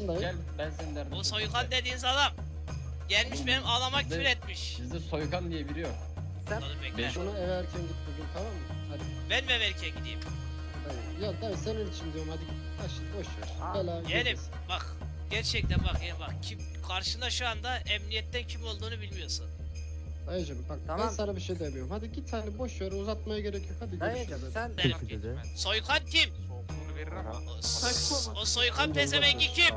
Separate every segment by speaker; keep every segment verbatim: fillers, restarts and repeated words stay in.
Speaker 1: farkındayım.
Speaker 2: Gel ben senin derdin.
Speaker 3: Bu soykan dediğiniz adam gelmiş benim anama küfür etmiş.
Speaker 2: Bizde soykan diye biri yok.
Speaker 1: Sen
Speaker 3: Dur bekle.
Speaker 1: bunu eve erken git bugün, tamam mı? Hadi.
Speaker 3: Ben mi erken gideyim?
Speaker 1: Hadi. Ya dayı senin için diyorum, hadi git. Taşın boş ver.
Speaker 4: Aa,
Speaker 1: Bela
Speaker 3: Yeğenim
Speaker 1: gelmesin.
Speaker 3: bak gerçekten bak ya bak kim karşında şu anda emniyetten kim olduğunu bilmiyorsun.
Speaker 1: Dayıcım bak ben
Speaker 4: Tamam.
Speaker 1: sana bir şey demiyorum. Hadi git, hani boş ver, uzatmaya gerek yok. Hadi
Speaker 4: Dayıcım
Speaker 1: görüşürüz.
Speaker 4: sen
Speaker 3: Soykan kim? O, o soykan pezevengi kim?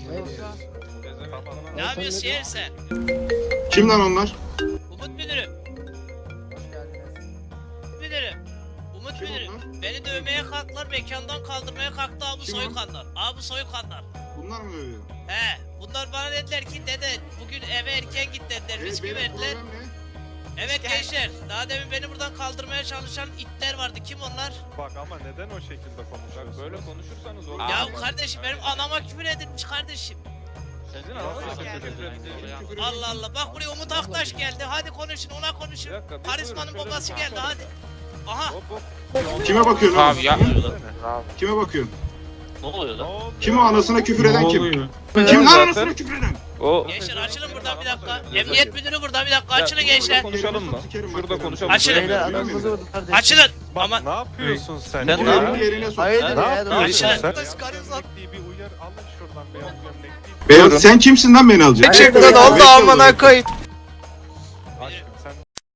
Speaker 3: Ne yapıyorsun yeğenim sen?
Speaker 5: Kim lan onlar?
Speaker 3: Umut müdürüm.
Speaker 4: hoş geldiniz.
Speaker 3: Müdürüm. Umut
Speaker 5: Kim
Speaker 3: müdürüm.
Speaker 5: onlar?
Speaker 3: Beni dövmeye kalktılar, mekandan kaldırmaya kalktı abi
Speaker 5: Kim o?
Speaker 3: soykanlar. Abi soykanlar.
Speaker 5: Bunlar mı övüyor?
Speaker 3: He, bunlar bana dediler ki dede bugün eve erken git dediler,
Speaker 5: Evet,
Speaker 3: bisküvi
Speaker 5: benim
Speaker 3: verdiler.
Speaker 5: problem ne?
Speaker 3: Evet gençler, daha demin beni buradan kaldırmaya çalışan itler vardı, kim onlar?
Speaker 6: Bak ama neden o şekilde konuşuyorsunuz? Böyle konuşursanız olur.
Speaker 3: Ya kardeşim benim anama küfür edilmiş kardeşim.
Speaker 6: Sizin ananız küfür
Speaker 3: Allah Allah, bak buraya Umut Aktaş geldi, hadi konuşun, ona konuşun. Karizmanın babası geldi, hadi. Aha,
Speaker 6: Hop hop.
Speaker 5: Kime bakıyorsun? oğlum?
Speaker 7: Abi ya.
Speaker 5: Kime bakıyorsun?
Speaker 7: Ne oluyor lan?
Speaker 5: Kim o anasına küfür eden kim? Kim lan anasına küfür eden?
Speaker 7: O
Speaker 3: gençler açılın buradan bir dakika. Emniyet müdürü burada bir dakika, açılın gençler.
Speaker 6: Konuşalım mı? Şurada konuşalım.
Speaker 3: Açılın.
Speaker 5: Açılın.
Speaker 3: Açılın.
Speaker 6: Bak
Speaker 3: Ama
Speaker 6: ne yapıyorsun sen?
Speaker 7: Sen
Speaker 6: ya?
Speaker 7: ne yapıyorsun?
Speaker 5: Yerine sok.
Speaker 4: Hayırdır
Speaker 6: Ne
Speaker 4: ya?
Speaker 6: yapıyorsun
Speaker 3: Açılın.
Speaker 6: sen?
Speaker 3: Kız karınızla-
Speaker 6: Diye bir uyar alın şuradan beyaz gömlekliyi.
Speaker 5: Beyaz sen kimsin lan beni alacak?
Speaker 4: Gerçekten oldu amına koy.
Speaker 6: Aşkım sen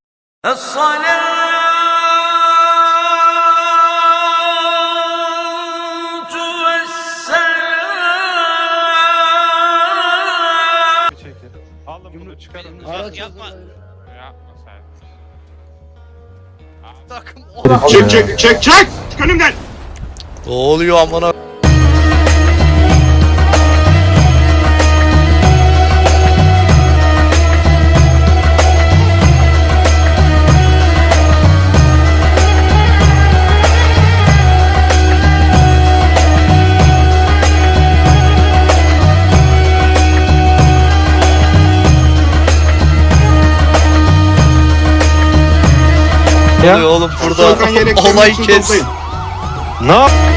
Speaker 6: bir çekil. Alın bunu çıkarın.
Speaker 1: Araç
Speaker 3: yapma.
Speaker 1: hazırlayın.
Speaker 3: Takım
Speaker 5: Çek çek çek çek! Çık önümden!
Speaker 7: ne oluyor amına? Ne oluyor oğlum burada?
Speaker 5: Soykan yeleklerini
Speaker 7: Olay
Speaker 5: üstüne
Speaker 7: kes.
Speaker 5: toplayın.
Speaker 6: Ne yap?